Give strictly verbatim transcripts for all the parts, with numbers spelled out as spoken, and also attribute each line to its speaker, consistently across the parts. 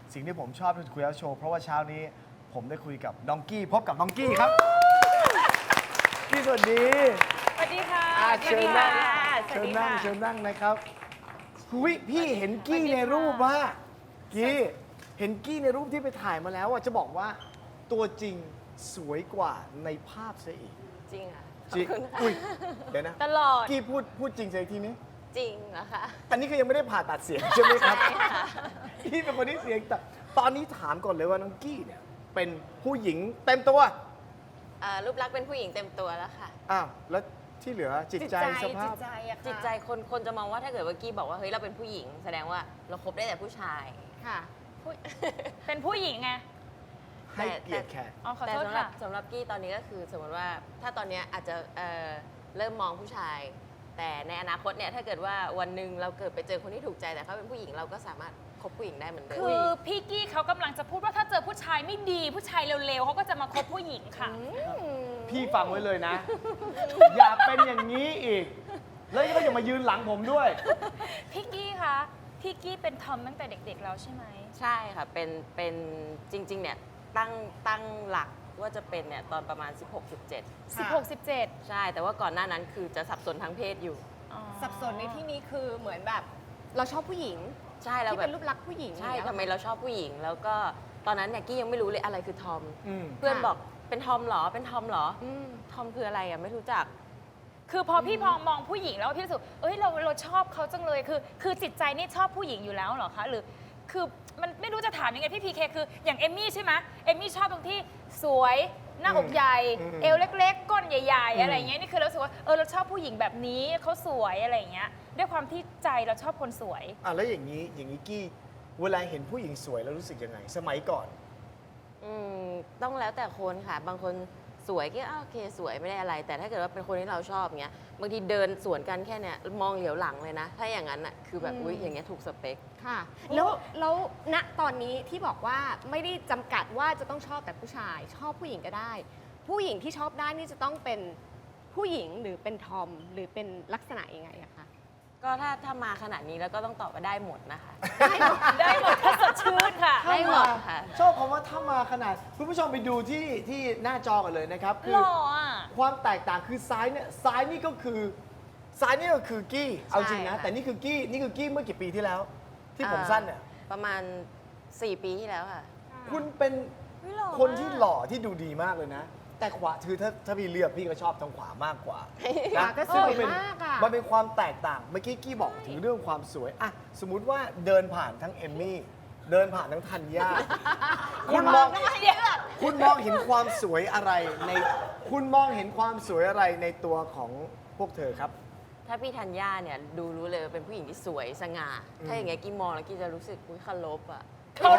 Speaker 1: สิ่งที่ผมชอบที่คุยแล้วโชว์เพราะว่าเช้านี้ผมได้คุยกับดองกี้พบกับดองกี้ครับพี่สวัสดี
Speaker 2: สวัสดีค่ะ
Speaker 1: อ่ะเชิญนั่ง
Speaker 2: สวั
Speaker 1: เชิ
Speaker 2: ส
Speaker 1: ญ
Speaker 2: ดี
Speaker 1: นั่ง
Speaker 2: ค่ะ
Speaker 1: เชิญนั่งนะครับหุยพี่เห็นกี้ในรูปว่ากี้เห็นกี้ในรูปที่ไปถ่ายมาแล้วอ่ะจะบอกว่าตัวจริงสวยกว่าในภาพซะอีก
Speaker 3: จริงค่ะ
Speaker 1: จริงอุ้ยเดี๋ยวนะ
Speaker 2: ตลอด
Speaker 1: กี้พูดพูดจริงสักทีนี้
Speaker 3: จริงเหรอคะ
Speaker 1: อันนี้คือยังไม่ได้ผ่าตัดเสียงใช่ไหมครับ
Speaker 3: ใช่ค่ะ
Speaker 1: พี่เป็นคนที่เสียงแต่ตอนนี้ถามก่อนเลยว่าน้องกี้เนี่ยเป็นผู้หญิงเต็มตัว
Speaker 3: เอ่อรูปลักษณ์เป็นผู้หญิงเต็มตัวแล้วค่ะ
Speaker 1: อ้าวแล้วที่เหลือจิตใจสภา
Speaker 2: จิ
Speaker 1: พ
Speaker 2: ตใจอะค่ะ
Speaker 3: จิตใจคนคนจะมองว่าถ้าเกิดว่ากี้บอกว่าเฮ้ยเราเป็นผู้หญิง แสดงว่าเราคบได้แต่ผู้ชาย
Speaker 2: ค่ะผู้เป็นผู้หญิงไง
Speaker 1: ให้เกียรติแขก
Speaker 2: อ๋อขอ
Speaker 3: แต่
Speaker 2: โทษ
Speaker 3: สำหรับ
Speaker 2: ค่ะ
Speaker 3: สำหรับกี้ตอนนี้ก็คือสมมติว่าถ้าตอนเนี้ยอาจจะเอ่อเริ่มมองผู้ชาย แต่ในอนาคตเนี่ยถ้าเกิดว่าวันหนึ่งเราเกิดไปเจอคนที่ถูกใจแต่เขาเป็นผู้หญิงเราก็สามารถคบผู้หญิงได้เหมือนเดิม
Speaker 2: คือพี่กี้เขากำลังจะพูดว่าถ้าเจอผู้ชายไม่ดี ผู้ชายเร็วๆเขาก็จะมาคบผู้หญิงค่ะ
Speaker 1: พี่ฟังไว้เลยนะ อย่าเป็นอย่างนี้อีก แล้วก็อย่ามายืนหลังผมด้วย
Speaker 2: พี่กี้คะพี่กี้เป็นทอมตั้งแต่เด็กๆแล้วใช่ไหม
Speaker 3: ใช่ค่ะ เป็น เป็นจริง ๆ เนี่ย ตั้ง ตั้งหลักว่าจะเป็นเนี่ย ตอนประมาณ สิบหก สิบเจ็ด
Speaker 2: สิบหก สิบเจ็ด
Speaker 3: ใช่ แต่ว่าก่อนหน้านั้นคือจะสับสนทางเพศอยู่
Speaker 2: อ๋อ
Speaker 4: สับสนในที่นี้คือเหมือนแบบเราชอบผู้หญิง
Speaker 3: ใช่เรา
Speaker 4: ที่
Speaker 3: แบ
Speaker 4: เป็
Speaker 3: บ
Speaker 4: นรูปลักษณ์ผู้หญิง
Speaker 3: ใช่
Speaker 4: อย่าง
Speaker 3: ทำไม
Speaker 4: เงี้ย
Speaker 3: เราชอบผู้หญิง แล้วก็ตอนนั้นเนี่ยกี้ยังไม่รู้เลยอะไรคือทอม
Speaker 1: อืม
Speaker 3: เพื่อน
Speaker 4: ค่ะ
Speaker 3: บอกเป็นทอมเหรอ เป็นทอมเหรอ
Speaker 4: อืม
Speaker 3: ทอมคืออะไรอ่ะ ไม่รู้จัก
Speaker 2: คือพอพี่พองมองผู้หญิงแล้วพี่รู้สึกเอ้ยเราเราชอบเขาจังเลยคือ คือจิตใจนี่ชอบผู้หญิงอยู่แล้วเหรอคะหรือคือมันไม่รู้จะถามยังไงพี่พีเคคืออย่างเอมมี่ใช่ไหมเอมมี่ชอบตรงที่สวยหน้าอกใหญ่
Speaker 1: อืม
Speaker 2: เอวเล็กๆ ก้นใหญ่
Speaker 1: อืม
Speaker 2: ๆ อะไรอย่างเงี้ยนี่คือเรารู้สึกว่าเออเราชอบผู้หญิงแบบนี้เขาสวยอะไรอย่างเงี้ยด้วยความที่ใจเราชอบคนสวย
Speaker 1: อ่ะแล้วอย่างนี้อย่างนี้กี้เวลาเห็นผู้หญิงสวยแล้วรู้สึกยังไง สมัยก่อน
Speaker 3: อืมต้องแล้วแต่คนค่ะ บางคนสวยก็อ้าวโอเคสวยไม่ได้อะไร แต่ถ้าเกิดว่าเป็นคนที่เราชอบเงี้ยบางทีเดินสวนกันแค่เนี้ยมองเหลียวหลังเลยนะ ถ้าอย่างนั้นอ่ะคือแบบอุ้ยอย่างเงี้ยถูกสเปค
Speaker 4: ค่ะ แล้วแล้วณตอนนี้ที่บอกว่าไม่ได้จำกัดว่าจะต้องชอบแต่ผู้ชาย ชอบผู้หญิงก็ได้ ผู้หญิงที่ชอบได้นี่จะต้องเป็นผู้หญิงหรือเป็นทอมหรือเป็นลักษณะยังไงอะคะ
Speaker 3: ก็ถ้าถ้ามาขนาดนี้แล้วก็ต้องตอบว่าได้หมดนะคะ
Speaker 2: ได้หมดถ้าสดชื่นค่ะ
Speaker 3: ได้หมดค่ะ
Speaker 1: ชอบคำว่าถ้ามาขนาด คุณผู้ชมไปดูที่ที่หน้าจอกันเลยนะครับ คื
Speaker 2: หล่ออ่ะ
Speaker 1: ความแตกต่างคือซ้ายเนี่ยซ้ายนี่ก็คือซ้ายนี่ก็คือกี้เอาจริงนะ
Speaker 3: ใช่ค่ะ
Speaker 1: แต่นี่คือกี้นี่คือกี้เมื่อกี่ปีที่แล้ว ที่ผมสั้นเนี่ย
Speaker 3: ประมาณสี่ปีที่แล้วค่ะ
Speaker 1: คุณเป็น
Speaker 2: เฮ้ยหล่อ
Speaker 1: คนที่
Speaker 2: มาก
Speaker 1: หล่อที่ดูดีมากเลยนะ แต่ขวาคือถ้าถ้าพี่เลือกพี่ก็ชอบทางขวามากกว่า
Speaker 4: ขวาก็สวย
Speaker 1: ซึ่งนเป็น
Speaker 4: มากอะ
Speaker 1: มันเป็นความแตกต่างเมื่อกี้กี้บอกถึงเรื่องความสวยอะสมมุติว่าเดินผ่านทั้งเอมมี่เดินผ่านทั้งธัญญาคุณมองคุณมองเห็นความสวยอะไรในคุณมองเห็นความสวยอะไรในตัวของพวกเธอครับ
Speaker 3: ถ้าพี่ธัญญาเนี่ยดูรู้เลยว่าเป็นผู้หญิงที่สวยสง่า ถ้าอย่างเงี้ยกี้มองแล้วกี้จะรู้สึกอุ้ยเคารพอ่ะ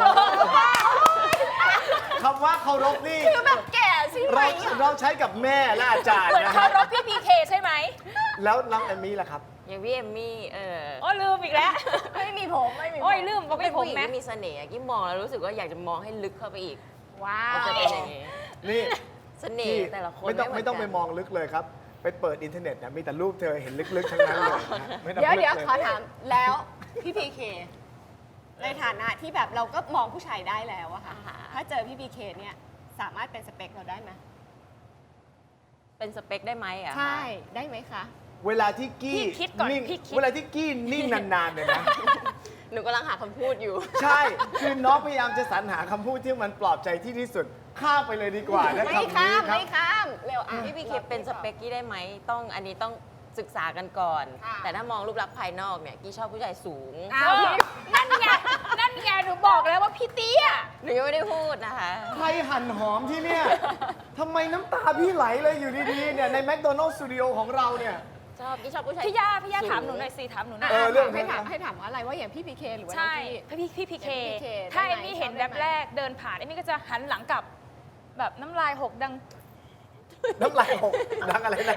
Speaker 1: คำว่าเคารพนี่
Speaker 4: คือแบบแก่ใช่ไหม
Speaker 1: เราเราใช้กับแม่และอาจารย์
Speaker 2: เหมือน
Speaker 1: นะ
Speaker 2: เคา
Speaker 1: ฮะ
Speaker 2: รพพี่พีเคใช่ไหม
Speaker 1: แล้วน้องเอมมี่ล่ะครับ
Speaker 3: อย่างพี่เอมมี่เออ
Speaker 2: โอ้ลืมอีกแล้ว
Speaker 4: ไม่มีผมไม่มีผม
Speaker 2: โอ้ยลืมบอก
Speaker 3: เป็
Speaker 2: ไม่
Speaker 3: น
Speaker 2: ผ
Speaker 3: ผู้
Speaker 2: ม
Speaker 3: หญิง
Speaker 2: ไหม
Speaker 3: ที่มีเสน่ห์อะกี้มองแล้วรู้สึกว่าอยากจะมองให้ลึกเข้าไปอีก
Speaker 4: ว้า
Speaker 3: ก็
Speaker 4: ว
Speaker 3: จะเป็นอย่างงี้
Speaker 1: นี่
Speaker 3: เสน่ห์แต่ละคน
Speaker 1: ไม่ต้อง
Speaker 3: เห
Speaker 1: ไม่ต้อง
Speaker 3: น
Speaker 1: ไป
Speaker 3: กัน
Speaker 1: มองลึกเลยครับ ไปเปิดอินเทอร์เน็ตนะมีแต่รูปเธอเห็นลึกๆทั้งนั้นเลยนะไม่ต้อง
Speaker 4: เดี๋ยว
Speaker 1: ลึก
Speaker 4: เดี๋ยว
Speaker 1: เลย
Speaker 4: ขอถามแล้วพี่พีเคในฐานะที่แบบเราก็มองผู้ชายได้แล้วอะค่ะ
Speaker 3: อ่าฮะ
Speaker 4: ถ้าเจอพี่พีเคเนี่ยสามารถเป็นสเปคเราได้ไหม
Speaker 3: เป็นสเปคได้ไหมอ่ะ
Speaker 4: ใช่ได้ไหมคะ
Speaker 1: เวลาที่กี้
Speaker 2: พี่คิดก่อน
Speaker 1: นิ่ง
Speaker 2: พี่คิด
Speaker 1: เวลาที่กี้นิ่งนานๆเนี่ยนะ
Speaker 3: หนูกำลังหาคำพูดอยู่
Speaker 1: ใช่ คือน้องพยายามจะสรรหาคำพูดที่มันปลอบใจที่ที่สุด ข้ามไปเลยดีกว่านะค
Speaker 4: ไม่
Speaker 1: รับ
Speaker 4: ข้าม
Speaker 1: ครั
Speaker 4: ไม่ข้ามเร็วอ่ะ
Speaker 3: พี่พีเคเป็นสเปคกี้ได้ไหมต้องอันนี้ต้องศึกษากันก่อน
Speaker 4: ค่ะ
Speaker 3: แต่ถ้ามองรูปลักษณ์ภายนอกเนี่ยกี้ชอบผู้ชายสูง
Speaker 4: อ้าว
Speaker 2: เออนั่นไง นั่นไง หนูบอกแล้วว่าพี่เตี้ย
Speaker 3: หนูยังไม่ได้พูดนะคะ
Speaker 1: ใครหั่นหอมที่เนี่ยทำไมน้ำตาพี่ไหลเลยอยู่ดีๆเนี่ยในแมคโดนัลล์สตูดิโอของเราเนี่ย
Speaker 3: ชอบกี้ชอบผู้ชาย
Speaker 2: พี่ย่าพี่ย่า
Speaker 3: สูง
Speaker 2: ถามหนูหน่อยสิถามหนูหน่อย
Speaker 1: เออเรื่อง
Speaker 4: ให้ถามให้ถามว่าอะไรว่าอย่างพี่พีเคหรือว่าน้อง
Speaker 2: ใช่
Speaker 4: กี้
Speaker 2: พี่พี่พีเค
Speaker 4: อย่างพี่ พี เค
Speaker 2: ถ้า
Speaker 4: ได้
Speaker 2: เอ
Speaker 4: ไหม
Speaker 2: มมี่เห็น
Speaker 4: ชอบ
Speaker 2: แบ
Speaker 4: ได้
Speaker 2: บ
Speaker 4: ไหม
Speaker 2: แรกเดินผ่านเอมมี่ก็จะหันหลังกลับ แบบน้ำลายหกดัง
Speaker 1: น้ำลายหกนักอะไรนะ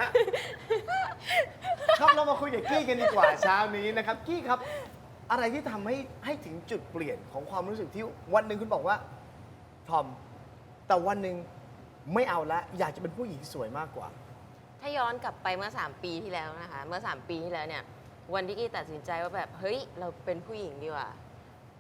Speaker 1: ครับเรามาคุยกับกี้กันดีกว่าเช้านี้นะครับ กี้ครับ อะไรที่ทำให้ให้ถึงจุดเปลี่ยนของความรู้สึกที่วันหนึ่งคุณบอกว่าทอม แต่วันหนึ่งไม่เอาละ อยากจะเป็นผู้หญิงสวยมากกว่า
Speaker 3: ถ้าย้อนกลับไปเมื่อ สาม ปีที่แล้วนะคะ เมื่อ สาม ปีที่แล้วเนี่ย วันที่กี้ตัดสินใจว่าแบบ เฮ้ย เราเป็นผู้หญิงดีกว่า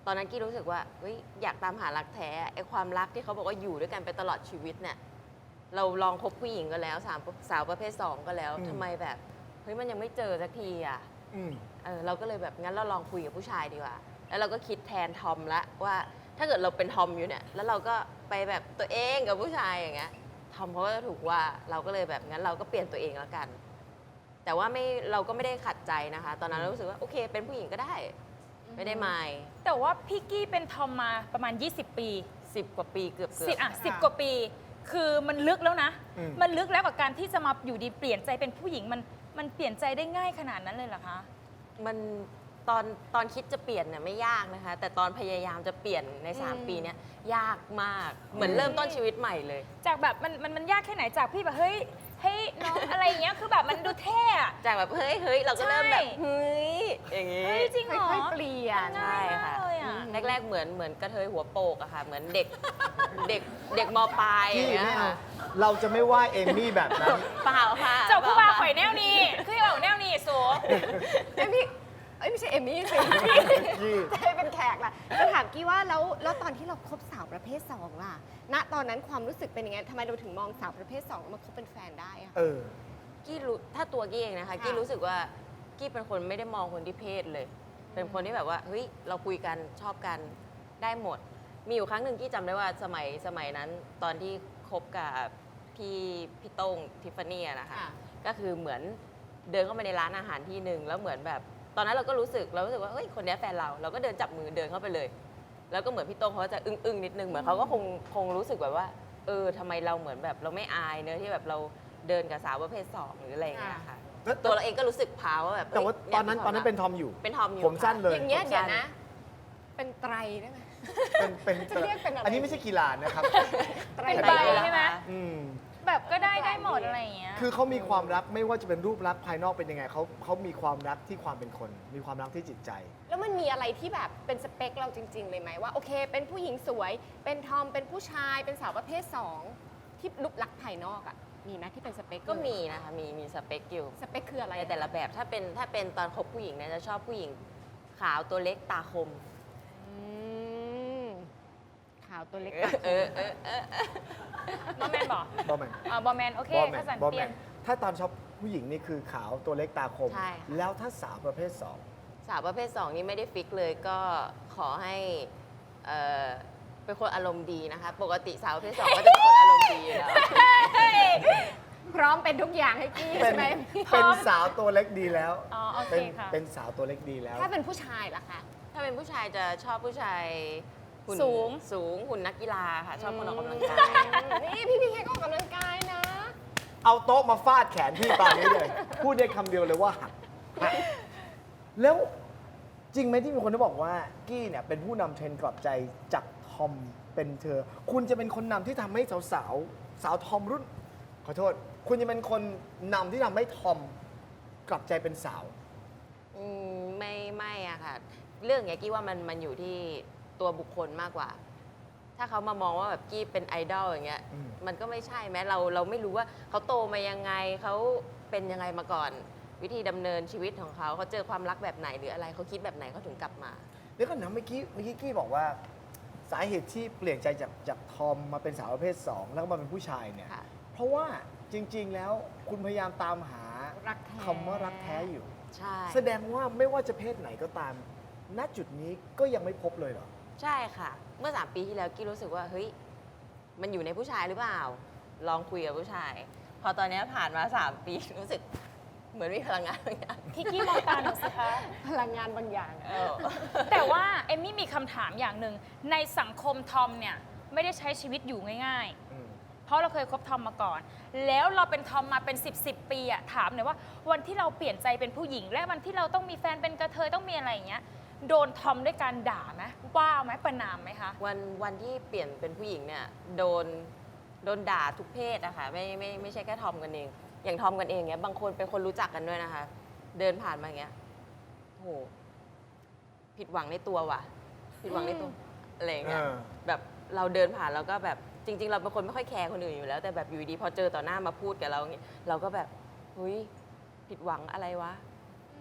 Speaker 3: ตอนนั้นกี้รู้สึกว่าเฮ้ยอยากตามหารักแท้ไอ้ความรักที่เขาบอกว่าอยู่ด้วยกันไปตลอดชีวิตเนี่ยเราลองคบผู้หญิงก็แล้วสามสาวประเภทสองก็แล้ว
Speaker 1: อืม
Speaker 3: ทำไมแบบเฮ้ยมันยังไม่เจอสักทีอ่ะ
Speaker 1: อืม
Speaker 3: เออเราก็เลยแบบงั้นเราลองคุยกับผู้ชายดีกว่า แล้วเราก็คิดแทนทอมละว่าถ้าเกิดเราเป็นทอมอยู่เนี่ยแล้วเราก็ไปแบบตัวเองกับผู้ชายอย่างเงี้ยทอมเขาก็จะถูกว่าเราก็เลยแบบงั้นเราก็เปลี่ยนตัวเองแล้วกัน แต่ว่าไม่เราก็ไม่ได้ขัดใจนะคะ ตอนนั้นเรารู้สึกว่าโอเค เป็นผู้หญิงก็ได้ ไม่ได้มาย
Speaker 2: แต่ว่าพี่กี้เป็นทอมมาประมาณ ยี่สิบ ปี
Speaker 3: สิบกว่าปีเกือบเกือ
Speaker 2: สิ
Speaker 3: บ
Speaker 2: อ่ะสิบกว่าปี คือมันลึกแล้วนะ
Speaker 1: อืม
Speaker 2: มันลึกแล้วกับการที่จะมาอยู่ดีเปลี่ยนใจเป็นผู้หญิงมันมันเปลี่ยนใจได้ง่ายขนาดนั้นเลยเหรอคะ
Speaker 3: มันตอนตอนคิดจะเปลี่ยนเนี่ยไม่ยากนะคะ แต่ตอนพยายามจะเปลี่ยนใน
Speaker 4: อืม
Speaker 3: 3 ปีเนี้ยยากมาก เหมือนเริ่มต้นชีวิตใหม่เลย
Speaker 2: จากแบบมันมันมันยากแค่ไหนจากพี่แบบเฮ้ยเฮ้ยน้อง อะไรอย่างเงี้ยคือแบบมันดูเท่อะ
Speaker 3: จากแบบเฮ้ยเฮ้ยเราก็เริ่มแบบ
Speaker 2: ใช่
Speaker 3: เฮ้ยอย่างงี้
Speaker 2: เฮ้ยจริงเหรอ
Speaker 4: ค่อยๆเปลี่ยน
Speaker 3: ใช่ค่ะ
Speaker 2: ง่ายมากเลยอะ
Speaker 3: แรกๆเหมือนเหมือนกระเทยหัวโปกอะค่ะ เหมือนเด็ก เด็กเด็กมปลายอ
Speaker 1: กี้
Speaker 3: ย่างเงี้ย
Speaker 1: ไม่เอา
Speaker 3: ค่ะ
Speaker 1: เราจะไม่ว่าเอมมี่แบบนั้น
Speaker 3: เปล่าค่ะ
Speaker 2: เจ้าผู้ว่า
Speaker 3: เปล่
Speaker 2: ข่อยแนวนี้คือเอาแนวนี้โซ
Speaker 4: เอมมี่เอ้ยไม่ใช่เอมมี่สิ
Speaker 1: กี้
Speaker 4: จะให้เป็นแขกล่ะจะถามกี้ว่าแล้วแล้วตอนที่เราคบสาวประเภทสองล่ะ ณ ตอนนั้นความรู้สึกเป็นยังไงทำไมเราถึงมองสาวประเภทสองแล้วมาคบเป็นแฟนได้อะ
Speaker 1: เออ
Speaker 3: กี้รู้ถ้าตัวกี้เองนะคะ
Speaker 4: ค่ะ
Speaker 3: กี้รู้สึกว่ากี้เป็นคนไม่ได้มองคนที่เพศเลย เป็นคนที่แบบว่าเฮ้ยเราคุยกันชอบกันได้หมด มีอยู่ครั้งหนึ่งกี้จำได้ว่าสมัยสมัยนั้นตอนที่คบกับพี่พี่โต้งทิฟฟานี่อะนะคะ
Speaker 4: ค่ะ
Speaker 3: ก็คือเหมือนเดินเข้าไปในร้านอาหารที่หนึ่งแล้วเหมือนแบบ ตอนนั้นเราก็รู้สึกเรารู้สึกว่าเฮ้ยคนนี้แฟนเราเราก็เดินจับมือเดินเข้าไปเลย แล้วก็เหมือนพี่โต้งเขาจะอึ้งอึ้งๆนิดนึงเหมือนเขาก็คงคงรู้สึกแบบว่า เออทำไมเราเหมือนแบบเราไม่อายเนอะที่แบบเราเดินกับสาวประเภทสองหรืออะไรอย่างเงี้ยค่ะ
Speaker 1: แล้ว
Speaker 3: ตัวเราเองก็รู้สึกพาวว่าแบบ
Speaker 1: แต่ว่า
Speaker 3: เย
Speaker 1: ตอนนั้น
Speaker 3: ย
Speaker 1: ตอนนั้นเป็นทอมอยู่
Speaker 3: เป็นทอมอยู่
Speaker 1: ผมสั้นเลย
Speaker 4: อย่างเงี้ย
Speaker 3: ผม
Speaker 4: เดี๋ยว
Speaker 3: สั้
Speaker 4: นะ เป็นไตรได้ไหม
Speaker 1: เป็นเป็น
Speaker 4: จะเรียกเป็นอะไร
Speaker 1: อันนี้ไม่ใช่กีฬานะครับ
Speaker 4: ไตร
Speaker 2: เป็น
Speaker 3: ไป
Speaker 2: ใบ
Speaker 3: แล้ว
Speaker 2: ใช่ไหม
Speaker 3: ค่ะ
Speaker 1: อืม
Speaker 2: แบบก็ได้ได้หมดอะไรอย่างเงี้ย
Speaker 1: คือเขามีความรักไม่ว่าจะเป็นรูปลักษณ์ภายนอกเป็นยังไงเขาเขามีความรักที่ความเป็นคน มีความรักที่จิตใจ
Speaker 4: แล้วมันมีอะไรที่แบบเป็นสเปคเราจริง ๆ เลยไหมว่าโอเค เป็นผู้หญิงสวย เป็นทอมเป็นผู้ชาย เป็นสาวประเภทสองที่รูปลักษณ์ภายนอกอะมีไหมที่เป็นสเปค
Speaker 3: ก็มีนะคะมีมีสเปคอยู่
Speaker 4: สเปคคืออะไร
Speaker 3: ในแต่ละแบบถ้าเป็นถ้าเป็นตอนคบผู้หญิงเนี่ยจะชอบผู้หญิงขาวตัวเล็กตาคม
Speaker 4: อืมขาวตัวเล็ก
Speaker 3: เออเออเออเออ
Speaker 2: บอแมนบอก
Speaker 1: บอแมน
Speaker 2: อ่าบอแมนโอเค
Speaker 1: บอแม
Speaker 2: ข้าน สัน
Speaker 1: บอ
Speaker 2: เป
Speaker 1: แม
Speaker 2: ลี่ยน
Speaker 1: นถ้าตอนชอบผู้หญิงนี่คือขาวตัวเล็กตาคม
Speaker 3: ใช่ค่ะ
Speaker 1: แล้วถ้าสาวประเภทสอง
Speaker 3: สาวประเภทสองนี่ไม่ได้ฟิกเลยก็ขอให้เอ่อเป็นคนอารมณ์ดีนะคะ ปกติสาวประเภทสองก็จะเป็นคนอารมณ์ดีอยู่แล้ว
Speaker 4: พร้อมเป็นทุกอย่างให้กี้
Speaker 1: เป็
Speaker 4: ใช่
Speaker 1: น
Speaker 4: ไหม
Speaker 1: เป็นสาวตัวเล็กดีแล้ว
Speaker 2: อ๋อโอเค
Speaker 1: เป็น
Speaker 2: ค่ะ
Speaker 1: เป็นสาวตัวเล็กดีแล้ว
Speaker 4: ถ้าเป็นผู้ชายล่ะคะ
Speaker 3: ถ้าเป็นผู้ชายจะชอบผู้ชายหุ่น
Speaker 2: สูง
Speaker 3: สูงหุ่นนักกีฬาค่ะ ชอบคนออกกำลังกาย
Speaker 4: นี่พี่พีเคก็ออกกำลังกายนะ
Speaker 1: เอาโต๊ะมาฟาดแขนพี่ตอนนี้เลย พูดได้คำเดียวเลยว่าหักหักแล้วจริงไหมที่มีคนที่บอกว่ากี้เนี่ยเป็นผู้นำเทรนด์กลับใจจากทอมเป็นเธอ คุณจะเป็นคนนำที่ทำให้สาวสาวๆสาวทอมรุ่น ขอโทษ คุณจะเป็นคนนำที่ทำให้ทอมกลับใจเป็นสาว
Speaker 3: อืมไม่ไม่อะค่ะ เรื่องเนี้ยกี้ว่ามันมันอยู่ที่ตัวบุคคลมากกว่า ถ้าเขามามองว่าแบบกี้เป็นไอดอลอย่างเงี้ย
Speaker 1: อืม
Speaker 3: มันก็ไม่ใช่แม้เราเราไม่รู้ว่าเขาโตมายังไงเขาเป็นยังไงมาก่อน วิธีดำเนินชีวิตของเขาเขาเจอความรักแบบไหนหรืออะไรเขาคิดแบบไหนเขาถึงกลับมา
Speaker 1: เดี๋ยวก่อนนะเมื่อกี้เมื่อกี้กี้บอกว่าสาเหตุที่เปลี่ยนใจจากจากทอมมาเป็นสาวประเภทสองแล้วก็มาเป็นผู้ชายเนี่ย
Speaker 3: ค่ะ
Speaker 1: เพราะว่าจริง ๆ แล้วคุณพยายามตามหา
Speaker 4: รักแท้
Speaker 1: คำว่ารักแท้อยู่
Speaker 3: ใช่
Speaker 1: แสดงว่าไม่ว่าจะเพศไหนก็ตาม ณจุดนี้ก็ยังไม่พบเลยเหรอ
Speaker 3: ใช่ค่ะ เมื่อสามปีที่แล้วกี้รู้สึกว่าเฮ้ยมันอยู่ในผู้ชายหรือเปล่า ลองคุยกับผู้ชาย พอตอนเนี้ยผ่านมาสามปีรู้สึกเหมือนมีพลังงานบางอย่าง
Speaker 2: พี่กี้มองตาหนูสิคะ
Speaker 4: พลังงานบางอย่าง
Speaker 3: เออ
Speaker 2: แต่ว่าเอมมี่มีคำถามอย่างหนึ่งในสังคมทอมเนี่ยไม่ได้ใช้ชีวิตอยู่ง่าย
Speaker 1: อืม
Speaker 2: ๆ เพราะเราเคยคบทอมมาก่อน แล้วเราเป็นทอมมาเป็น 10บสปีอะถามหน่อยว่าวันที่เราเปลี่ยนใจเป็นผู้หญิง และวันที่เราต้องมีแฟนเป็นกระเทยต้องมีอะไรอย่างเงี้ยโดนทอมด้วยการด่าไหมว่าไหมประนามไหมคะ
Speaker 3: วันวันที่เปลี่ยนเป็นผู้หญิงเนี่ยโดนโดนด่าทุกเพศอะค่ะไม่ไม่ไม่ใช่แค่ทอมกันเอง อย่างทอมกันเองเนี้ยบางคนเป็นคนรู้จักกันด้วยนะคะ เดินผ่านมาอย่างเงี้ยโหผิดหวังในตัวว่ะ ผิดหวังในตัวอะไรอย่างเงี้ย
Speaker 1: เออ
Speaker 3: แบบเราเดินผ่านเราก็แบบจริง ๆ เราเป็นคนไม่ค่อยแคร์คนอื่นอยู่แล้ว แต่แบบอยู่ดีพอเจอต่อหน้ามาพูดกับเราอย่างเงี้ยเราก็แบบเฮ้ยผิดหวังอะไรวะ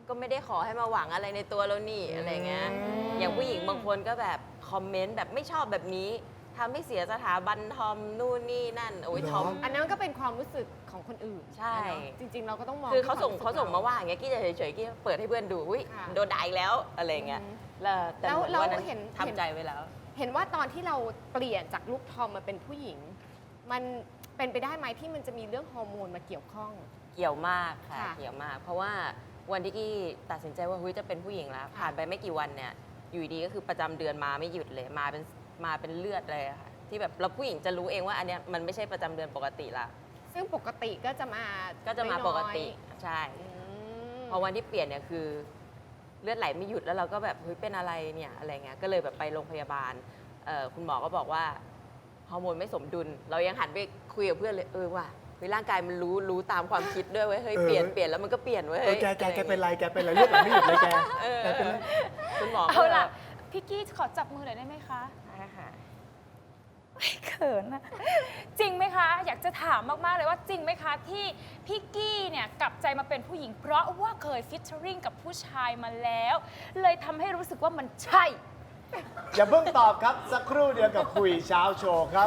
Speaker 3: ก็ไม่ได้ขอให้มาหวังอะไรในตัวเรานี่อะไรเงี้ยอย่างผู้หญิงบางคนก็แบบคอมเมนต์แบบไม่ชอบแบบนี้ทำให้เสียสถาบันทอมนู่นนี่นั่นโอ้ยทอม
Speaker 4: อันนั้นก็เป็นความรู้สึกของคนอื่น
Speaker 3: ใช่
Speaker 4: เนอะจริง ๆ เราก็ต้องมอง
Speaker 3: คือเขาส่ง
Speaker 4: ที่
Speaker 3: เขา
Speaker 4: คว
Speaker 3: ส่ง
Speaker 4: รู้
Speaker 3: มา
Speaker 4: สึก
Speaker 3: ว่าอย่างเงี้ยกี้จะเฉยๆกี้เปิดให้เพื่อนดูอุ้ย
Speaker 4: ค่ะ
Speaker 3: โดนด่าอีกแล้วอะไรเงี้ย
Speaker 4: อืม
Speaker 3: แล้วแต่
Speaker 4: แล้ว
Speaker 3: เหมือน
Speaker 4: แล้ว
Speaker 3: วันนั้น
Speaker 4: เห็น
Speaker 3: ทำใจไว้แล้ว
Speaker 4: เห็นว่าตอนที่เราเปลี่ยนจากลูกทอมมาเป็นผู้หญิง มันเป็นไปได้ไหมที่มันจะมีเรื่องฮอร์โมนมาเกี่ยวข้อง
Speaker 3: เกี่ยวมากค่ะ
Speaker 4: ค่ะ
Speaker 3: เกี่ยวมาก เพราะว่าวันที่กี้ตัดสินใจว่าเฮ้ยจะเป็นผู้หญิงแล้ว ผ่านไปไม่กี่วันเนี่ยอยู่ดีก็คือประจำเดือนมาไม่หยุดเลยมาเป็นมาเป็นเลือดเลยอะค่ะที่แบบเราผู้หญิงจะรู้เองว่าอันเนี้ยมันไม่ใช่ประจำเดือนปกติละ
Speaker 4: ซึ่งปกติก็จะมา
Speaker 3: ก็จะมา
Speaker 4: น้อยๆ
Speaker 3: ปกติใช่
Speaker 4: อืม
Speaker 3: พอวันที่เปลี่ยนเนี่ยคือเลือดไหลไม่หยุดแล้วเราก็แบบเฮ้ยเป็นอะไรเนี่ยอะไรเงี้ยก็เลยแบบไปโรงพยาบาลเอ่อคุณหมอก็บอกว่าฮอร์โมนไม่สมดุล เรายังหันไปคุยกับเพื่อนเลยเออว่ะเฮ้ยร่างกายมันรู้รู้ตามความคิดด้วยเว้ยเฮ้ย
Speaker 1: เออ
Speaker 3: เปลี่ยนเปลี่ยนแล้วมันก็เปลี่ยนเว้ย
Speaker 1: เออ
Speaker 3: เฮ้ย
Speaker 1: แกแกแก
Speaker 3: อะไร
Speaker 1: เป็นไรแกเป็นไรเลือดไหลไม่หยุดเลยแก
Speaker 3: เออ
Speaker 1: แกเป็นไร
Speaker 3: คุณหมอก็
Speaker 2: เอาล่ะ พี่กี้ขอจับมือหน่อยได้ไหมคะ
Speaker 3: ได้ค่ะ
Speaker 2: เขินอะจริงไหมคะ อยากจะถามมาก ๆ เลยว่าจริงไหมคะ ที่พี่กี้เนี่ยกลับใจมาเป็นผู้หญิง เพราะว่าเคยฟิชเชอริงกับผู้ชายมาแล้ว เลยทำให้รู้สึกว่ามันใช่
Speaker 1: อย่าเพิ่งตอบครับ สักครู่เดียวกับคุยเช้าโชว์ครับ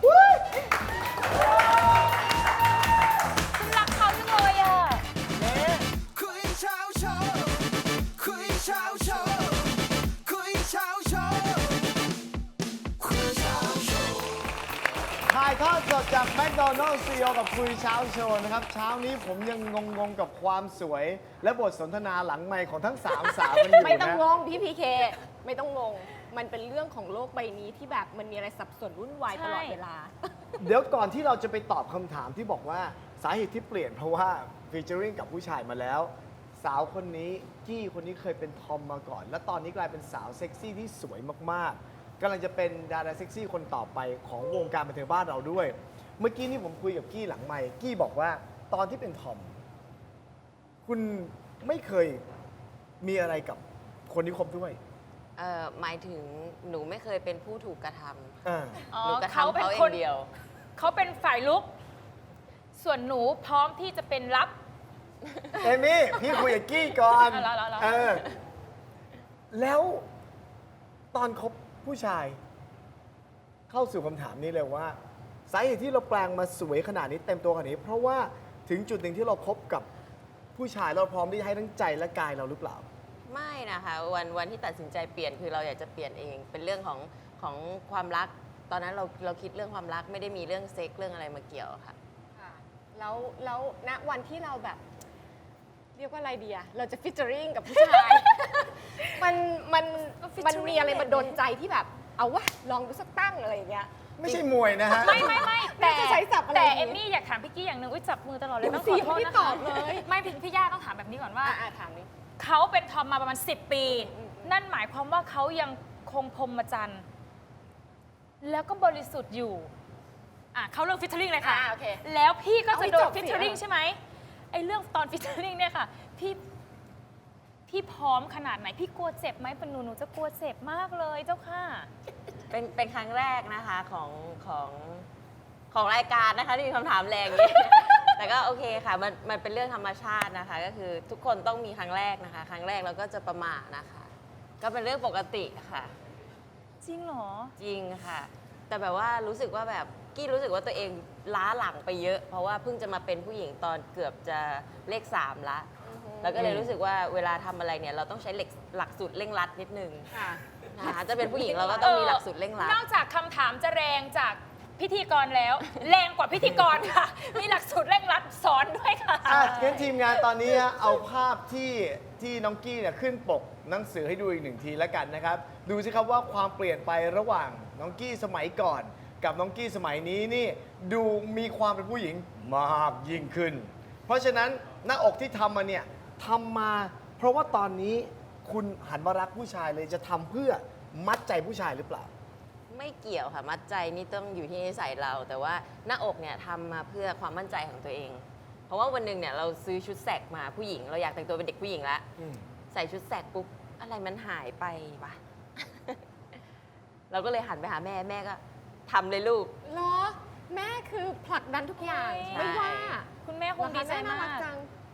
Speaker 2: ฉันรักเขาจังเลยอะ
Speaker 5: คุยเช้าโชว์คุยเช้าโชว์คุยเช้าโชว์คุยเช้าโชว์
Speaker 1: ถ่ายทอดสดจากแมคโดนัลด์ซีโอกับคุยเช้าโชว์นะครับ เช้านี้ผมยังงงๆกับความสวย และบทสนทนาหลังไมค์ของทั้งสามสาวกันอยู่
Speaker 4: ไม่ต้อง
Speaker 1: นะ
Speaker 4: งงพี่พีเคไม่ต้องงง มันเป็นเรื่องของโลกใบนี้ที่แบบมันมีอะไรสับสนวุ่นวายตลอดเวลา
Speaker 1: เดี๋ยวก่อนที่เราจะไปตอบคำถามที่บอกว่าสาเหตุที่เปลี่ยนเพราะว่าฟีเจอริงกับผู้ชายมาแล้ว สาวคนนี้กี้คนนี้เคยเป็นทอมมาก่อน และตอนนี้กลายเป็นสาวเซ็กซี่ที่สวยมากๆกำลังจะเป็นดาราเซ็กซี่คนต่อไปของวงการบันเทิงบ้านเราด้วย เมื่อกี้นี่ผมคุยกับกี้หลังไมค์กี้บอกว่าตอนที่เป็นทอม คุณไม่เคยมีอะไรกับคนที่คบด้วย
Speaker 3: เอ่อหมายถึงหนูไม่เคยเป็นผู้ถูกกระทำ
Speaker 1: อ่า
Speaker 2: อ๋อ
Speaker 3: หนูกระ
Speaker 2: เขา
Speaker 3: ทำ
Speaker 2: เป็น
Speaker 3: เขาเอ
Speaker 2: คน
Speaker 3: งเดียว
Speaker 2: เขาเป็นฝ่ายลุก ส่วนหนูพร้อมที่จะเป็นรับ
Speaker 1: เอมี่ พี่คุยกับกี้ก่อน
Speaker 2: เอาเหรอเอาเหรอ
Speaker 1: เออ แล้วตอนคบผู้ชาย เข้าสู่คำถามนี้เลยว่า สาเหตุที่เราแปลงมาสวยขนาดนี้เต็มตัวขนาดนี้ เพราะว่าถึงจุดหนึ่งที่เราคบกับผู้ชายเราพร้อมที่จะให้ทั้งใจและกายเราหรือเปล่า
Speaker 3: ไม่นะคะวันวันที่ตัดสินใจเปลี่ยนคือเราอยากจะเปลี่ยนเอง เป็นเรื่องของของความรัก ตอนนั้นเราเราคิดเรื่องความรักไม่ได้มีเรื่องเซ็กเรื่องอะไรมาเกี่ยวค่ะ
Speaker 4: ค่ะแล้วแล้วณวันที่เราแบบ เรียกว่าอะไรเดียเราจะฟิชเจอริงกับผู้ชาย มันมัน
Speaker 2: ก็ featuring
Speaker 4: มันมีอะไรมาดนใจที่แบบ เอาวะลองดูสักตั้งอะไรอย่างเงี้ย
Speaker 1: ไม่ใช่มวยนะฮะ
Speaker 2: ไม่ไม่ไม่แต่
Speaker 4: ไม่จะใช้ศัพท์อะไร
Speaker 2: แต่
Speaker 4: อย่างงี้
Speaker 2: เอมมี่อยากถามพี่กี้อย่างหนึ่งอุ้ยจับมือตลอดเลย
Speaker 4: เดี๋ยว
Speaker 2: ต้อง
Speaker 4: สิ
Speaker 2: ขอโทษ
Speaker 4: ไม่
Speaker 2: นะ
Speaker 4: ต
Speaker 2: คะ
Speaker 4: อบเลย
Speaker 2: ไม่พี่พี่ย่าต้องถามแบบนี้ก่อนว่า
Speaker 4: อ่ะอ่ะถามนี่
Speaker 2: เขาเป็นทอมมาประมาณ สิบ ปี นั่นหมายความว่าเขายังคงพรหมจรรย์แล้วก็บริสุทธิ์อยู่อ่ะเขาเรื่องฟิชเชอริงเลยค่ะ
Speaker 4: อ่าโอเค
Speaker 2: แล้วพี่ก็
Speaker 4: เอาให้
Speaker 2: จะโด
Speaker 4: จ
Speaker 2: น
Speaker 4: บสิ
Speaker 2: ฟิชเชอริง
Speaker 4: อ่ะ
Speaker 2: ใช่ไหมไอ้เรื่องตอนฟิชเชอริงเนี่ยค่ะ พี่พี่พร้อมขนาดไหน พี่กลัวเจ็บไหมเป็นหนูหนูจะกลัวเจ็บมากเลยเจ้าค่ะ
Speaker 3: เป็นเป็นครั้งแรกนะคะของของของรายการนะคะที่มีคำถามแรงอย่างนี้ แต่ก็โอเคค่ะมันมันเป็นเรื่องธรรมชาตินะคะ ก็คือทุกคนต้องมีครั้งแรกนะคะ ครั้งแรกเราก็จะประมาทนะคะ ก็เป็นเรื่องปกติค่ะ
Speaker 2: จริงเหรอ
Speaker 3: จริงค่ะ แต่แบบว่ารู้สึกว่าแบบกี้รู้สึกว่าตัวเองล้าหลังไปเยอะ เพราะว่าเพิ่งจะมาเป็นผู้หญิงตอนเกือบจะเลขสามละ แล้วก็เลยรู้สึกว่าเวลาทำอะไรเนี่ยเราต้องใช้เหล็กหลักสูตรเร่งรัดนิดนึง
Speaker 4: ค่ะ
Speaker 3: นะคะจะเป็นผู้หญิงเราก็ต้องมีหลักสูตรเร่งรัด
Speaker 2: นอกจากคำถามจะแรงจากพิธีกรแล้ว แรงกว่าพิธีกรค่ะ มีหลักสูตรเร่งรัดสอนด้วยค่ะ
Speaker 1: อ่ะงั้นทีมงานตอนนี้ฮะเอาภาพที่ที่น้องกี้เนี่ยขึ้นปกหนังสือให้ดูอีกหนึ่งทีแล้วกันนะครับ ดูสิครับว่าความเปลี่ยนไประหว่างน้องกี้สมัยก่อน กับน้องกี้สมัยนี้นี่ดูมีความเป็นผู้หญิงมากยิ่งขึ้น เพราะฉะนั้นหน้าอกที่ทำมาเนี่ยทำมาเพราะว่าตอนนี้คุณหันมารักผู้ชายเลยจะทำเพื่อมัดใจผู้ชายหรือเปล่า
Speaker 3: ไม่เกี่ยวค่ะ มัดใจนี่ต้องอยู่ที่นิสัยเรา แต่ว่าหน้าอกเนี่ยทำมาเพื่อความมั่นใจของตัวเอง เพราะว่าวันหนึ่งเนี่ยเราซื้อชุดแสกมาผู้หญิง เราอยากแต่งตัวเป็นเด็กผู้หญิงแล้ว
Speaker 1: อืม
Speaker 3: ใส่ชุดแสกปุ๊บอะไรมันหายไปวะ เราก็เลยหันไปหาแม่แม่ก็ทำเลยลูก
Speaker 4: เหรอ แม่คือผลักดันทุกอย่าง
Speaker 2: ใช่
Speaker 4: ไม่ว่า
Speaker 2: คุณแม่คงดีใจ
Speaker 4: เหรอคะแน่ารั
Speaker 2: มาก
Speaker 4: จัง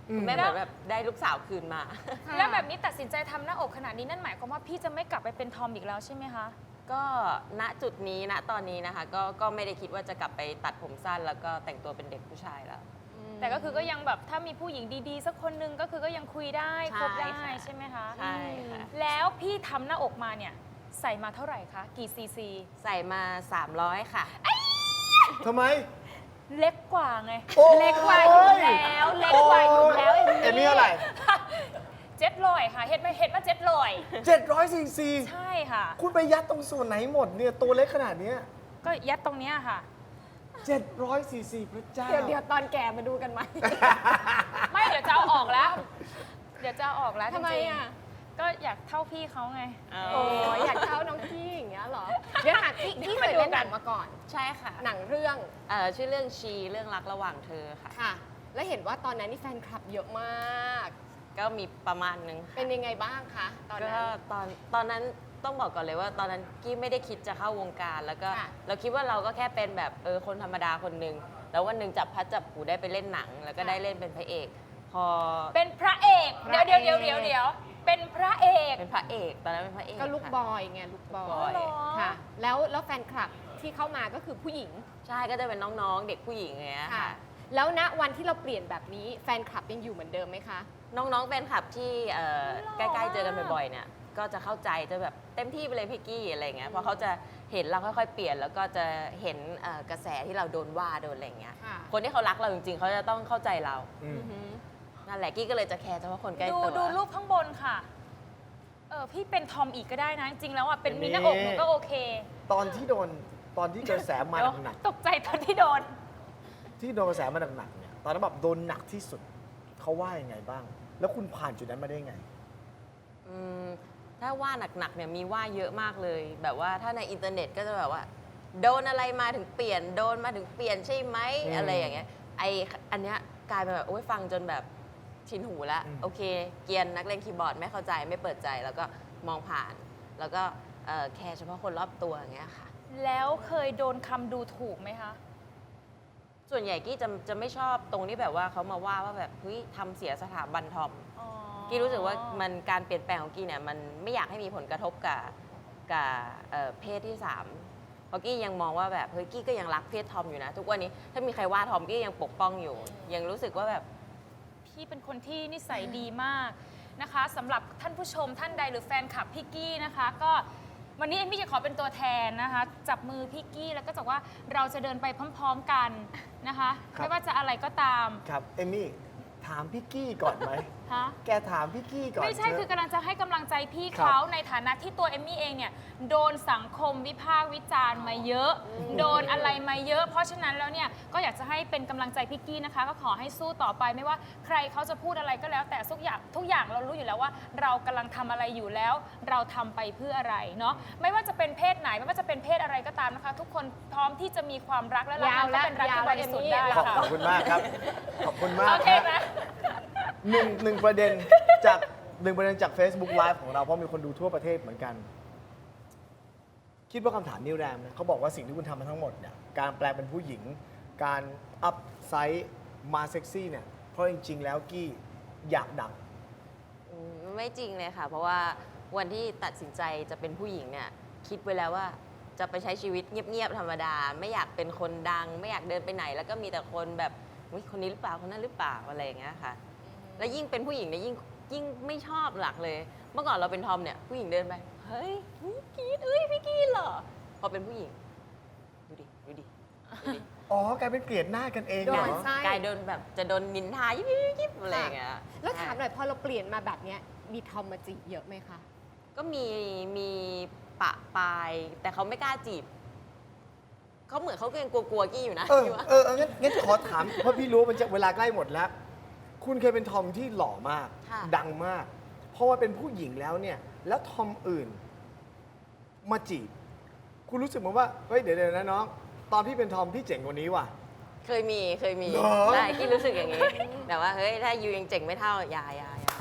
Speaker 1: อืม
Speaker 3: คุณแม่เหมือนแบบได้ลูกสาวคืนมา
Speaker 2: แล้วแบบนี้ตัดสินใจทำหน้าอกขนาดนี้นั่นหมายความว่าพี่จะไม่กลับไปเป็นทอมอีกแล้วใช่ไหมคะ
Speaker 3: ก็ณจุดนี้ณตอนนี้นะคะ ก็ก็ไม่ได้คิดว่าจะกลับไปตัดผมสั้น แล้วก็แต่งตัวเป็นเด็กผู้ชายแล้ว
Speaker 2: แต่ก็คือก็ยังแบบถ้ามีผู้หญิงดีๆ สักคนนึงก็คือก็ยังคุยได้
Speaker 3: ใช่
Speaker 2: คบได้
Speaker 3: ค่ะ
Speaker 2: ใช่ไหมคะ
Speaker 3: ใช่ค่ะ
Speaker 2: แล้วพี่ทำหน้าอกมาเนี่ยใส่มาเท่าไหร่คะ กี่ซีซี
Speaker 3: ใส่มา สามร้อย ค่ะ
Speaker 1: ทำไม
Speaker 2: เล็กกว่าไง
Speaker 1: โอ้ย
Speaker 2: เล็กกว่าอยู่แล้ว เล็กกว่าอยู่แล้ว
Speaker 1: เอ็มมี่เท่าไหร่
Speaker 2: เจ็ดลอยค่ะ เห็ดมาเห็ดมาเจ็ดลอย
Speaker 1: เจ็ดร้อยซีซี
Speaker 2: ใช่ค่ะ
Speaker 1: คุณไปยัดตรงส่วนไหนหมดเนี่ยตัวเล็กขนาดเนี้ย
Speaker 2: ก็ยัดตรงเนี้ยค่ะ
Speaker 1: เจ็ดร้อยซีซีพระเจ้า
Speaker 4: เดี๋ยวเดี๋ยวตอนแก่มาดูกันไหม
Speaker 2: ไม่เดี๋ยวจะเอาออกแล้ว เดี๋ยวจะเอาออกแล้ว
Speaker 4: ทำไม
Speaker 2: จริงๆ
Speaker 4: อ่ะ
Speaker 2: ก็อยากเท่าพี่เขาไง
Speaker 4: โอ้ยอยากเท่าน้องกี้อย่างเงี้ยเหรอ เดี๋ยวถามกี้กี้เคยเล่นหนังมาก่อน
Speaker 3: ใช่ค่ะ
Speaker 4: หนังเรื่อง
Speaker 3: เอ่อชื่อเรื่องชีเรื่องรักระหว่างเธอค่ะ
Speaker 4: ค่ะ แล้วเห็นว่าตอนนั้นนี่แฟนคลับเยอะมาก
Speaker 3: ก็มีประมาณนึงค่ะ
Speaker 4: เป็นยังไงบ้างคะตอน
Speaker 3: ก็
Speaker 4: นั้น
Speaker 3: ตอนตอนนั้นต้องบอกก่อนเลยว่าตอนนั้นกี้ไม่ได้คิดจะเข้าวงการ แล้วก็
Speaker 4: ค่ะ
Speaker 3: เราคิดว่าเราก็แค่เป็นแบบเออคนธรรมดาคนหนึ่งแล้ววันหนึ่งจับพัดจับผูได้ไปเล่นหนัง แล้วก็ได้เล่นเป็นพระเอก พอ
Speaker 2: เป็นพระเอก เดี๋ยวเดี๋ยวเดี๋ยวเดี๋ยวเดี๋ยวเป็นพระเอก
Speaker 3: เป็นพระเอกตอนนั้นเป็นพระเอก
Speaker 4: ก็ลูก
Speaker 3: ค่ะ
Speaker 4: บอยไงลูกบอ
Speaker 3: บอย ย
Speaker 4: ค่ะ แล้วแล้วแฟนคลับที่เข้ามาก็คือผู้หญิง
Speaker 3: ใช่ก็จะเป็นน้องๆ เด็กผู้หญิงอย่างเงี้ย
Speaker 4: ค่ะ
Speaker 3: ค่ะ
Speaker 4: แล้วณวันที่เราเปลี่ยนแบบนี้แฟนคลับยังอยู่เหมือนเดิมไหมคะ
Speaker 3: น้องๆแฟนคลับที่เอ่อใกล้ๆเจอกันบ่อยๆเนี่ยก็จะเข้าใจจะแบบเต็มที่ไปเลยพี่กี้อะไรเงี้ยเพราะเขาจะเห็นเราค่อยๆเปลี่ยนแล้วก็จะเห็นเอ่อกระแสที่เราโดนว่าโดนอะไรเงี้ย
Speaker 4: ค่ะ
Speaker 3: คนที่เขารักเราจริงๆเขาจะต้องเข้าใจเรา
Speaker 1: อืม
Speaker 4: อือหือ
Speaker 3: นั่นแหละกี้ก็เลยจะแคร์เฉพาะคนใกล้
Speaker 2: ดู
Speaker 3: ตัว
Speaker 2: ดูรูปข้างบนค่ะ เออพี่เป็นทอมอีกก็ได้นะ จริงๆแล้วอ่ะเป็น
Speaker 1: เป็น
Speaker 2: มีหน้าอก
Speaker 1: นี่
Speaker 2: หนูก็โอเค
Speaker 1: ตอนที่โดนตอนที่กระแสมา
Speaker 2: เดี๋ยว
Speaker 1: หนัก
Speaker 2: ตกใจตอนที่โดน
Speaker 1: ๆที่โดนกระแสมาหนักๆเนี่ยตอนนั้นแบบโดนหนักที่สุดเขาว่ายังไงบ้าง แล้วคุณผ่านจุดนั้นมาได้ไง
Speaker 3: อืมถ้าว่าหนักๆเนี่ยมีว่าเยอะมากเลย แบบว่าถ้าในอินเทอร์เน็ตก็จะแบบว่า โดนอะไรมาถึงเปลี่ยนโดนมาถึงเปลี่ยนใช่ไหม
Speaker 1: อืม
Speaker 3: อะไรอย่างเงี้ยไออันเนี้ยกลายเป็นแบบโอ้ยฟังจนแบบชินหูแล้ว
Speaker 1: อืม
Speaker 3: โอเค เกรียนนักเล่นคีย์บอร์ดไม่เข้าใจไม่เปิดใจแล้วก็มองผ่าน แล้วก็เอ่อแคร์เฉพาะคนรอบตัวอย่างเงี้ยค่ะ
Speaker 2: แล้วเคยโดนคำดูถูกไหมคะ
Speaker 3: ส่วนใหญ่กี้จะจะไม่ชอบตรงที่แบบว่าเขามาว่าว่าแบบเฮ้ยทำเสียสถาบันทอม
Speaker 2: อ๋อ
Speaker 3: กี้รู้สึกว่ามันการเปลี่ยนแปลงของกี้เนี่ยมันไม่อยากให้มีผลกระทบกับกับเอ่อเพศที่สามเพราะกี้ยังมองว่าแบบเฮ้ยกี้ก็ยังรักเพศทอมอยู่นะ ทุกวันนี้ถ้ามีใครว่าทอมกี้ยังปกป้องอยู่ ยังรู้สึกว่าแบบ
Speaker 2: พี่เป็นคนที่นิสัยดีมากนะคะสำหรับท่านผู้ชมท่านใดหรือแฟนคลับพี่กี้นะคะ ก็วันนี้เอมมี่จะขอเป็นตัวแทนนะคะ จับมือพี่กี้แล้วก็จะว่าเราจะเดินไปพร้อมๆกันนะคะ
Speaker 1: ครับ
Speaker 2: ไม่ว่าจะอะไรก็ตาม
Speaker 1: ครับเอมมี่ถามพี่กี้ก่อนไหม
Speaker 2: ฮะ
Speaker 1: แกถามพี่กี้ก่อน
Speaker 2: ไม่ใช่
Speaker 1: เถะ
Speaker 2: คือกำลังจะให้กำลังใจพี่
Speaker 1: ครับ
Speaker 2: เขาในฐานะที่ตัวเอมมี่เองเนี่ยโดนสังคมวิพากษ์วิจารณ์มาเยอะ โดนอะไรมาเยอะ เพราะฉะนั้นแล้วเนี่ยก็อยากจะให้เป็นกำลังใจพี่กี้นะคะ ก็ขอให้สู้ต่อไปไม่ว่าใครเขาจะพูดอะไรก็แล้ว แต่ทุกอย่างทุกอย่างเรารู้อยู่แล้วว่า เรากำลังทำอะไรอยู่แล้ว เราทำไปเพื่ออะไรเนาะไม่ว่าจะเป็นเพศไหนไม่ว่าจะเป็นเพศอะไรก็ตามนะคะ ทุกคนพร้อมที่จะมีความรักและรัก
Speaker 4: ยาว
Speaker 2: มัน
Speaker 4: แล้
Speaker 2: ก็
Speaker 4: ว
Speaker 2: เป็นรัก
Speaker 4: ยาว
Speaker 2: ที่บริสุทธิ์ได้
Speaker 1: ขอบ
Speaker 2: ค่ะ
Speaker 1: ขอบคุณมากครับ ขอบคุณมาก
Speaker 2: โอเค
Speaker 1: ครับ
Speaker 2: ไหม
Speaker 1: หนึ่งหนึ่งประเด็นจากหนึ่งประเด็นจาก Facebook Live ของเราเพราะมีคนดูทั่วประเทศเหมือนกัน คิดว่าคำถามนี้แรงไหมเขาบอกว่าสิ่งที่คุณทำมาทั้งหมดเนี่ยการแปลงเป็นผู้หญิง การอัพไซส์มาเซ็กซี่เนี่ยเพราะจริง ๆ แล้วกี้อยากดัง
Speaker 3: อืมไม่จริงเลยค่ะ เพราะว่าวันที่ตัดสินใจจะเป็นผู้หญิงเนี่ยคิดไว้แล้วว่าจะไปใช้ชีวิตเงียบๆธรรมดา ไม่อยากเป็นคนดัง ไม่อยากเดินไปไหน แล้วก็มีแต่คนแบบอุ๊ยคนนี้หรือเปล่าคนนั้นหรือเปล่าอะไรอย่างเงี้ยค่ะ แล้วยิ่งเป็นผู้หญิงเนี่ยยิ่งยิ่งไม่ชอบหลักเลย เมื่อก่อนเราเป็นทอมเนี่ยผู้หญิงเดินไปเฮ้ยพี่กรีดเอ้ยพี่กรีดเหรอพอเป็นผู้หญิงดูดิดูดิดูดิ
Speaker 1: อ๋อกลายเป็นเกลียดหน้ากันเอง
Speaker 4: โด
Speaker 1: เหร
Speaker 4: น
Speaker 1: อ
Speaker 4: ไส้
Speaker 3: กลายโดนแบบจะโดนนินทายิบยิบยิบยิบอะไรอย่างเงี้ย
Speaker 4: แล้วถามหน่อยพอเราเปลี่ยนมาแบบเนี้ยมีทอมมาจีบเยอะไหมคะ
Speaker 3: ก็มีมีปะปาย แต่เขาไม่กล้าจีบเขาเหมือนเขาก็ยังกลัวๆกี้อยู่นะ
Speaker 1: เออ
Speaker 3: พี่ว่า
Speaker 1: เออเอองั้นงั้นขอถาม เพราะพี่รู้ว่ามันจะเวลาใกล้หมดแล้ว คุณเคยเป็นทอมที่หล่อมาก
Speaker 3: ค่ะ
Speaker 1: ดังมาก เพราะว่าเป็นผู้หญิงแล้วเนี่ย แล้วทอมอื่น มาจีบ คุณรู้สึกเหมือนว่า เฮ้ย เดี๋ยวเดี๋ยวนะน้อง ตอนพี่เป็นทอมพี่เจ๋งกว่านี้ว่ะ
Speaker 3: เคยมีเคยมี
Speaker 1: เหรอ
Speaker 3: ใช่กี้รู้สึกอย่างนี้ แต่ว่าเฮ้ยถ้ายูยังเจ๋งไม่เท่าอย่าอย่าอย่า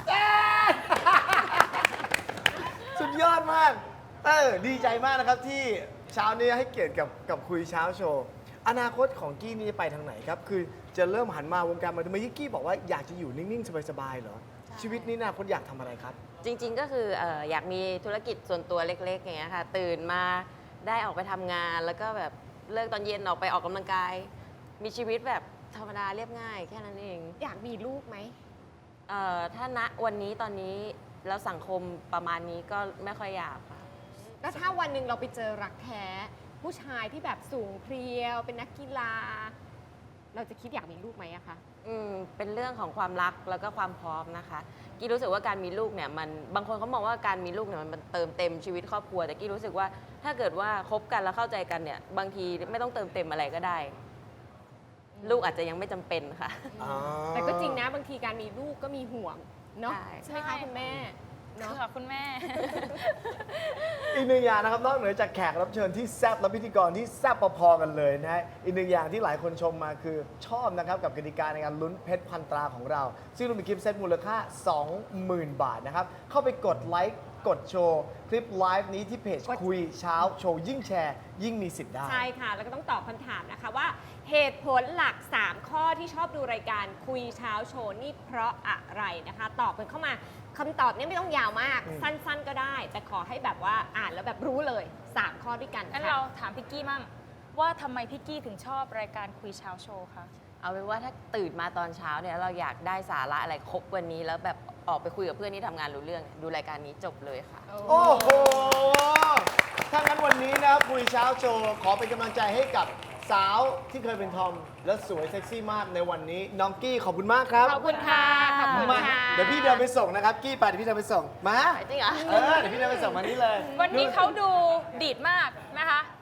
Speaker 1: สุดยอดมาก เออ ดีใจมากนะครับที่เช้านี้ให้เกียรติกับกับคุยเช้าโชว์อนาคตของกี้นี่จะไปทางไหนครับ คือจะเริ่มหันมาวงการมาทำไมที่กี้บอกว่าอยากจะอยู่นิ่ง ๆ สบาย ๆ เหรอ ชีวิตนี้อนาคตอยากทำอะไรครับ
Speaker 3: จริงๆ ก็คือเอ่ออยากมีธุรกิจส่วนตัวเล็กๆ อย่างเงี้ยค่ะ ตื่นมาได้ออกไปทำงาน แล้วก็แบบเลิกตอนเย็นออกไปออกกำลังกาย มีชีวิตแบบธรรมดาเรียบง่ายแค่นั้นเอง
Speaker 4: อยากมีลูกไหม
Speaker 3: เอ่อถ้าณวันนี้ตอนนี้แล้วสังคมประมาณนี้ก็ไม่ค่อยอยากค่ะ
Speaker 4: แล้วถ้าวันหนึ่งเราไปเจอรักแท้ ผู้ชายที่แบบสูงเพรียว เป็นนักกีฬา เราจะคิดอยากมีลูกไหมอะคะ
Speaker 3: อืมเป็นเรื่องของความรักแล้วก็ความพร้อมนะคะกี้รู้สึกว่าการมีลูกเนี่ยมันบางคนเขามองว่าการมีลูกเนี่ยมันเติมเต็มชีวิตครอบครัว แต่กี้รู้สึกว่าถ้าเกิดว่าคบกันแล้วเข้าใจกันเนี่ยบางทีไม่ต้องเติมเต็มอะไรก็ได้ ลูกอาจจะยังไม่จำเป็นค่ะ
Speaker 1: อ๋อ
Speaker 4: แต่ก็จริงนะบางทีการมีลูกก็มีห่วงเนาะ
Speaker 3: ใช่
Speaker 4: ใช่ไหมคะคุณแม่เนาะ
Speaker 2: ค่ะคุณแม่
Speaker 1: อีกหนึ่งอย่างนะครับนอกเหนือจากแขกรับเชิญที่แซ่บและพิธีกรที่แซ่บพอๆกันเลยนะฮะอีกหนึ่งอย่างที่หลายคนชมมาคือชอบนะครับกับกติกาในการลุ้นเพชรพันตราของเรา ซึ่งเรามีกิฟต์เซตมูลค่า สองหมื่น บาทนะครับ เข้าไปกดไลค์กดโชว์คลิปไลฟ์นี้ที่เพจ
Speaker 4: กด
Speaker 1: คุยเช้าโชว์ยิ่งแชร์ ยิ่งมีสิทธิ์ได้
Speaker 4: ใช่ค่ะ แล้วก็ต้องตอบคำถามนะคะว่าเหตุผลหลัก สาม ข้อที่ชอบดูรายการคุยเช้าโชว์นี่เพราะอะไรนะคะ ตอบกันเข้ามาคำตอบเนี่ยไม่ต้องยาวมาก
Speaker 1: อืม
Speaker 4: สั้นๆก็ได้ แต่ขอให้แบบว่าอ่านแล้วแบบรู้เลย สาม ข้อด้วยกัน
Speaker 2: งั้น
Speaker 4: ค่ะ
Speaker 2: เราถามพี่กี้มั่งว่าทำไมพี่กี้ถึงชอบรายการคุยเช้าโชว์คะ
Speaker 3: เอาเป็นว่าถ้าตื่นมาตอนเช้าเนี่ยเราอยากได้สาระอะไรครบวันนี้ แล้วแบบออกไปคุยกับเพื่อนที่ทำงานรู้เรื่อง ดูรายการนี้จบเลยค่ะ
Speaker 1: โอ้โห ถ้างั้นวันนี้นะครับคุยเช้าโชว์ขอเป็นกำลังใจให้กับสาวที่เคยเป็นทอม และสวยเซ็กซี่มากในวันนี้ น้องกี้ขอบคุณมากครับ
Speaker 4: ขอบคุณค่ะ ขอบคุณ
Speaker 1: มา
Speaker 4: ค่ะ
Speaker 1: เดี๋ยวพี่เดินไปส่งนะครับ กี้ไปเดี๋ยวพี่เดินไปส่ง มา
Speaker 3: จริงเหรอ
Speaker 1: เออ เดี๋ยวพี่เดินไปส่งมานี่เลย
Speaker 2: วันนี้เขาดูดีดมากนะคะ